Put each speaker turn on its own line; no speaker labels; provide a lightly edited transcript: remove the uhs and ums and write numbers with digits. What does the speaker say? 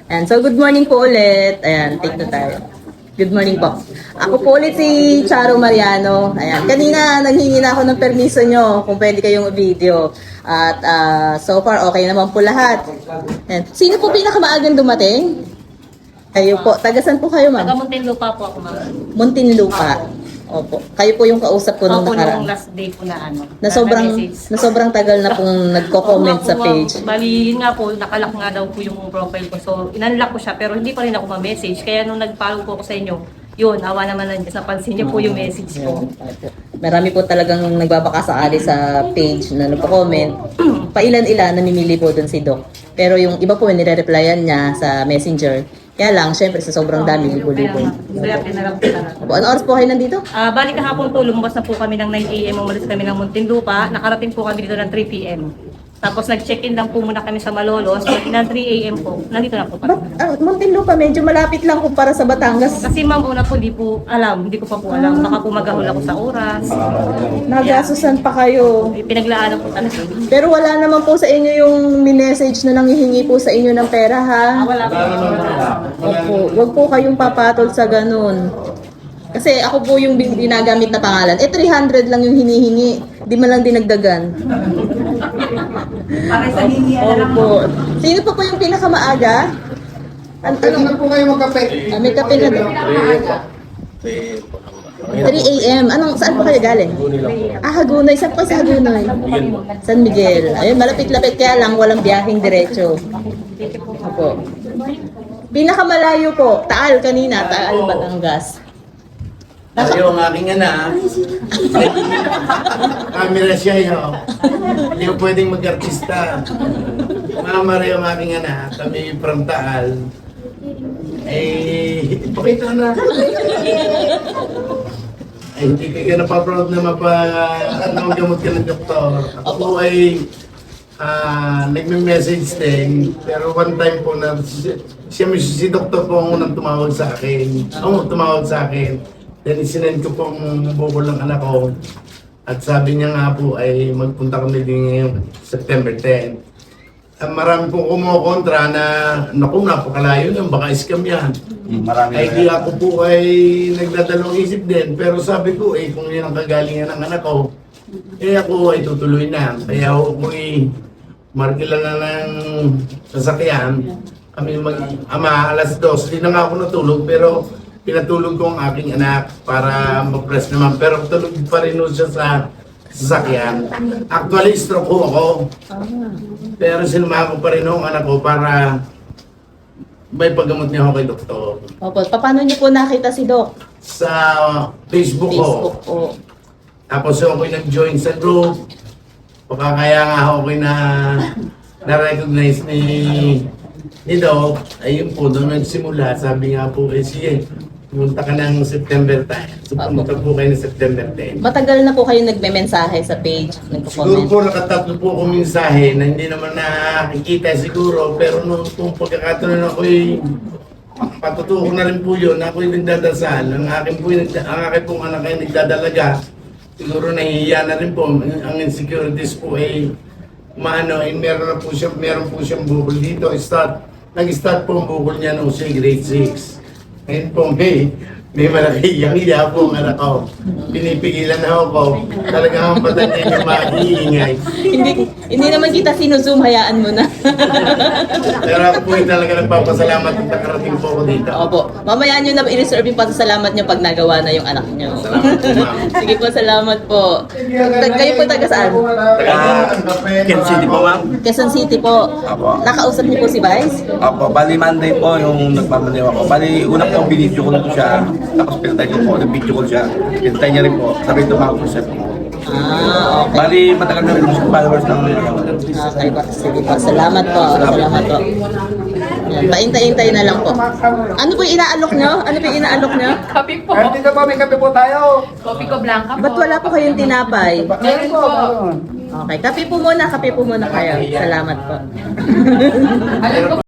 Ayan, so good morning po ulit. Ayan, take na tayo. Good morning po. Ako po ulit si Charo Mariano. Ayan, kanina nanghingi na ako ng permiso nyo kung pwede kayong video. At so far, okay naman po lahat. Ayan. Sino po pinakamaagang dumating? Kayo po. Tagasan po kayo, ma'am?
Taga Muntinlupa po ako, ma'am.
Muntinlupa. Opo. Kayo po yung kausap ko nung
Opo,
nakaraan.
nung last day po na ano.
Na sobrang tagal na pong nagko-comment sa page.
Bali, yun nga po, nakalock nga daw po yung profile ko. So, inunlock ko siya, pero hindi pa rin ako ma-message. Kaya nung nag-follow po ako sa inyo, yun, awa naman lang, napansin niyo po yung message ko.
Marami po talagang nagbabaka sakali sa page na nagko-comment. Pailan-ilan, namimili po doon si Doc. Pero yung iba po, nire-replyan niya sa messenger. Kaya lang, syempre sa sobrang dami, libo-libo.
Kaya pinarap ko talaga.
Ano oras po kayo nandito?
Bali kahapon po, lumabas na po kami ng 9 AM, umalis kami ng Muntinlupa, nakarating po kami dito ng 3 PM. Tapos nag-check-in lang po muna kami sa Malolos, ng 3 AM po, nandito na po kami.
Muntinlupa, medyo malapit lang kumpara sa Batangas.
Kasi ma'am, una po, hindi ko pa po alam. Baka po magahol ako sa oras.
Nagasusan pa kayo.
Pinaglaan po talaga.
Pero wala naman po sa inyo yung message na nanghihingi po sa inyo ng pera, ha?
Wala po.
Opo, wag po kayong papatol sa ganun. Kasi ako po yung ginagamit na pangalan. 300 lang yung hinihingi. Di man lang dinagdagan.
Para sa hingi,
Opo. Sino pa po yung pinakamaaga?
Pwede na po kayo magkape.
May kape na doon. 3 AM. Saan po kayo galing? Hagunoy. Saan po sa Hagunoy? San Miguel. Ayun, malapit-lapit kaya lang walang biyaheng diretso. Opo. Pinakamalayo po, Taal kanina, Taal, Batangas.
Tayo ang aking anak. Camera siya yun. Hindi ko pwedeng mag-artista. Mama rin ang aking anak. Kami from Taal. Ipakita na. Hindi ka napaproud na magamot ka ng doktor. Ako ay nagme-message din. Pero one time po na si doktor po ang unang tumawag sa akin. Then sinend ko po ang bukol ng anak ko. At sabi niya nga po ay magpunta kami din ngayong September 10. Marami po kumukontra na, naku, napakalayo yan, baka scam yan. Ay di ako po ay nagdadalawang isip din. Pero sabi ko, kung yan ang kagalingan ng anak ko, ako ay tutuloy na. Kaya ako ay markila na ng sasakyan. Kami mag-ama, alas 2, hindi na nga ako natulog, pero pinatulog ko ang aking anak para mag-press naman. Pero tulog pa rin siya sa sasakyan. Actually, stroke ko ako. Pero sinamahan ko pa rin ang anak ko para may paggamot niya ako kay doktor.
Opo, paano niyo po nakita si Doc?
Sa Facebook ko.
Facebook po.
Tapos ako'y nag-join sa group. Baka kaya nga ako'y na-recognize ni Doc. Ayun po, doon nagsimula. Sabi nga po, sige, pumunta ka ng September 10. So, pumunta po kayo ng September 10.
Matagal na po kayo nagme-mensahe sa page,
Siguro
nagko-comment.
po nakatatlo po akong mensahe na hindi naman nakikita siguro. Pero nung pagkakataon ako'y patutuko na rin po yun. Ako'y nagdadasal. Ang aking pong anak ay nagdadalaga. Siguro nahihiya na rin po. Ang insecurities po ay meron po siyang bukol dito. Nag-start po ang bukol niya nung siya grade 6. Ngayon po, may malaki-iya po ang anak ko. Pinipigilan na ako. Talagang ang patan niya yung mag-iingay.
Hindi naman kita sinuzoom, hayaan mo na.
Pero ako po yung talaga nagpapasalamat at nakarating po ako dito.
Opo. Mamaya nyo na i-reserve yung pasasalamat nyo pag nagawa na yung anak nyo.
Salamat po, ma'am.
Sige po, salamat po. Kayo po taga saan?
Quezon City po, ma'am.
Quezon City po.
Apo.
Nakausap niyo po si Vice?
Opo, bali Monday po yung nagpapaliw ako. Bali, una po binidyo ko na po siya. Tapos pinatay ko po, nag-video ko siya. Pinatay niya rin po. Sabi ito mga po.
Okay.
Bali, matagal na rin po sa followers ng
Okay po. Sige po. Salamat po. Salamat po. Yan. Paintay-intay na lang po. Ano po yung inaalok nyo?
Kape po.
Dito po, may kape po tayo.
Kopi ko blanca po.
Ba't wala po kayong tinapay?
Meron po.
Okay. Kape po muna kayo. Salamat po.
Alam ko